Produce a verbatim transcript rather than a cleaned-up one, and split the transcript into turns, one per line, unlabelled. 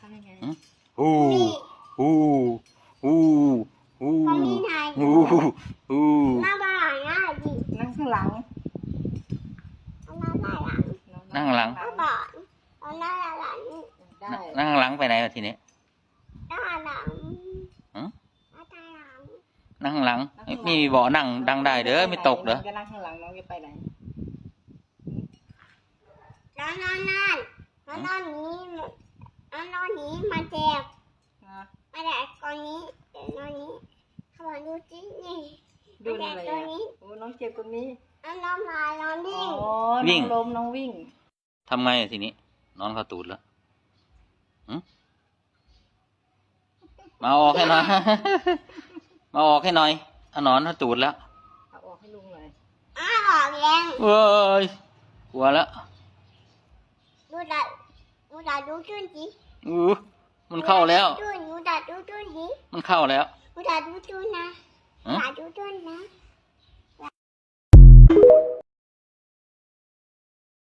ทำยังไง
ฮู้ฮู้ฮู้ฮู้
เขามีไง
ฮู้ฮู้
หน้าบ้านหน้าดิ
นั่งข้างหลัง
เอาหน้าบ้านหลัง
นั่งหลัง
เอาบ้านเอาหน้าหลัง
ได้
นั่งหลังไปไหนวะทีนี้
หน้าหลัง
หือ
หน้าหลัง
นั่งหลังไม่มีเบาะนั่งดังได้เด้อไม่ตกเด้อ
จะนั่งข้างหลังน้องจะไปไหน
แล้วนอนนั่นแล้วนอนนี้แล้วนอนนี้มาเจ็บ
นะ
มาแดกตอนนี้เดี๋ยวนอนนี้เขาบอกดูสินี่
ดูอะไร
ตัว
อ่ะ
นี้
โอ้น้องเจ็บตรงนี้
แล้วนอนมานอน
อ๋
วิ่ง
อน้องล้มน้องวิ่ง
ทำไงอะทีนี้ นอนเข้าตูดแล้วหึมาออกให้หน่อย มาออกให้หน่อยเอานอนเข้าตูดแล้ว
เอาออกให้ลุงเลย
อ้าวบอกเอง
เว้ยกลัวแล้ว
ดูดาดูดาดูจุนจี
อู้มันเข้าแล้ว
ดูดูดาดูจุนจี
มันเข้าแล้ว
ดูดาดูจุนนะ
ฮะ
ดาดูจุนนะ